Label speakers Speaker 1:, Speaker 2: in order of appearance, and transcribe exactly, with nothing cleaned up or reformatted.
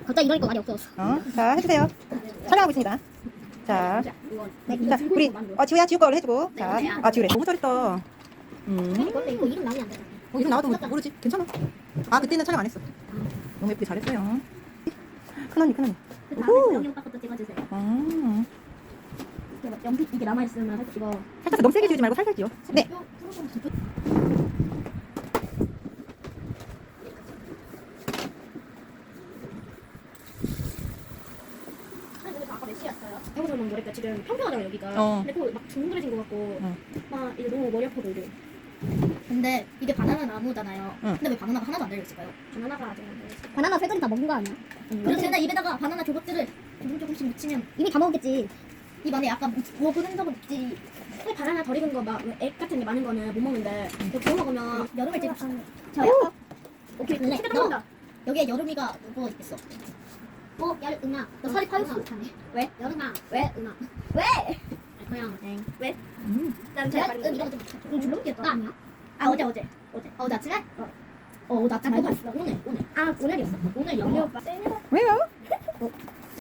Speaker 1: 갑자기 이러니까 말이 없어졌어.
Speaker 2: 어, 자 해주세요. 촬영하고 있습니다. 자, 네, 자 우리 어 지우야 지우 거를 해주고. 자, 아 지우래. 너무 잘했다. 음.
Speaker 1: 근데 이거 이름 나오면 안 돼.
Speaker 2: 어 이름 나와도 모- 모르지. 괜찮아. 아 그때는 촬영 안 했어. 너무 예쁘게 잘했어요. 큰언니 큰언니.
Speaker 1: 다음에 영희 오빠 것도 찍어주세요.
Speaker 2: 음.
Speaker 1: 연필 이게 남아있으면 살짝 이거.
Speaker 2: 살짝 너무 세게 지우지 말고 살살 지워. 네.
Speaker 1: 아까 몇 시였어요? 배고프면 머리가 지금 평평하잖아 여기가.
Speaker 2: 어.
Speaker 1: 근데 그거 막 둥그레진 것 같고
Speaker 2: 응.
Speaker 1: 막 이제 너무 머리 아파도 이래. 근데 이게 바나나 나무잖아요.
Speaker 2: 응.
Speaker 1: 근데 왜 바나나가 하나도 안 달려있을까요? 바나나가 아직 안 달려있어요. 바나나 세 개를 다 먹은 거 아니야? 응. 그래서 근데 입에다가 바나나 조각들을 조금 조금씩 묻히면 이미 다 먹었겠지. 입 안에 약간 먹은 흔적은 있지. 왜 바나나 덜 익은 거막액 같은 게 많은 거는 못 먹는데 그거 구워 먹으면 여름을 즐깁시다. 저요? 오케이 근데 너 여기에 여름이가 누워 있겠어. 어? 여름아 너 살이 파였어. 왜? 여름아 왜? 음아 왜? 그냥 엥 왜?
Speaker 2: 음.
Speaker 1: 난 제가 음 이런 거좀 좀 줄넘기였다. 나 아니야? 아 어제 어제 어제 어 어제 아침에? 어. 어 어제 아침에 오늘 오늘 아 오늘이었어. 오늘 영희 오빠
Speaker 2: 왜요?
Speaker 1: 어